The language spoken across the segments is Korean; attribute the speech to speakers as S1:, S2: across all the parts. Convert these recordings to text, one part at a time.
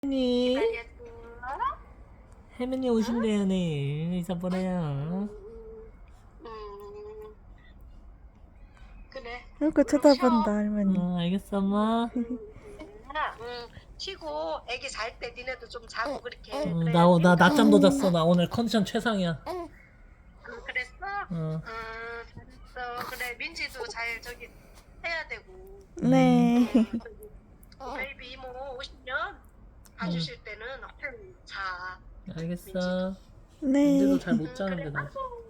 S1: 혜민이
S2: 기다렸어?
S1: 혜민이
S2: 응?
S1: 오신대요 내일 이사보래요.
S2: 음, 그래.
S3: 이렇게
S2: 얼른 쉬어.
S3: 쳐다본다 할머니.
S1: 알겠어 엄마.
S2: 하나, 쉬고 애기 잘 때 니네도 좀 자고 그렇게
S1: 나
S2: 그래야지.
S1: 낮잠도 잤어. 나 오늘 컨디션 최상이야.
S2: 그랬어?
S1: 어.
S2: 잘했어. 그래, 민지도 잘 저기 해야 되고.
S3: 네.
S2: 베이비 이모 오시면 봐주실 때는 얼른 자.
S1: 알겠어.
S3: 네.
S1: 민지도 잘 못
S2: 그래.
S1: 자는데 나.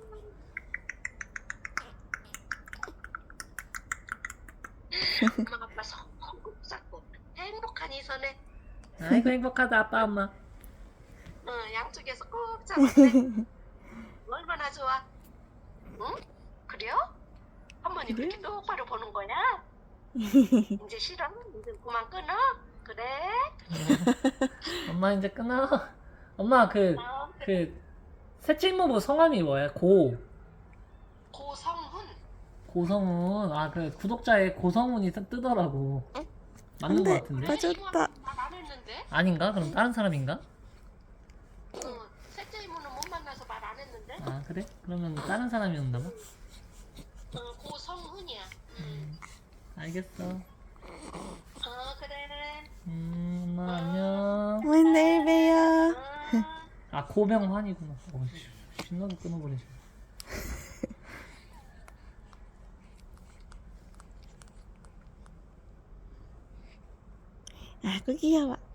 S2: 엄마 아빠 손꼭 잡고 행복한 이 손에
S1: 아이고 행복하다 아빠 엄마.
S2: 양쪽에서 꼭 잡았네. 얼마나 좋아? 응? 그래요? 할머니
S3: 그래?
S2: 그렇게 똑바로 보는 거야? 이제 싫어? 이제 그만 끊어? 그래?
S1: 엄마 이제 끊어. 엄마
S2: 그래.
S1: 그 셋째 이모부 성함이 뭐야?
S2: 고성훈.
S1: 고성훈. 아 그 구독자에 고성훈이 뜨더라고. 맞는 거
S3: 근데
S1: 같은데?
S3: 빠졌다.
S2: 말안 했는데?
S1: 아닌가? 그럼 다른 사람인가?
S2: 셋째 이모는 못 만나서 말 안 했는데?
S1: 아 그래? 그러면 다른 사람이었나 봐.
S2: 고성훈이야.
S1: 알겠어.
S2: 그래.
S1: 엄마 안녕.
S3: 어머니 내일 봬요.
S1: 아 고명환이구나. 신나게 끊어버리지.
S3: 아구 귀여워.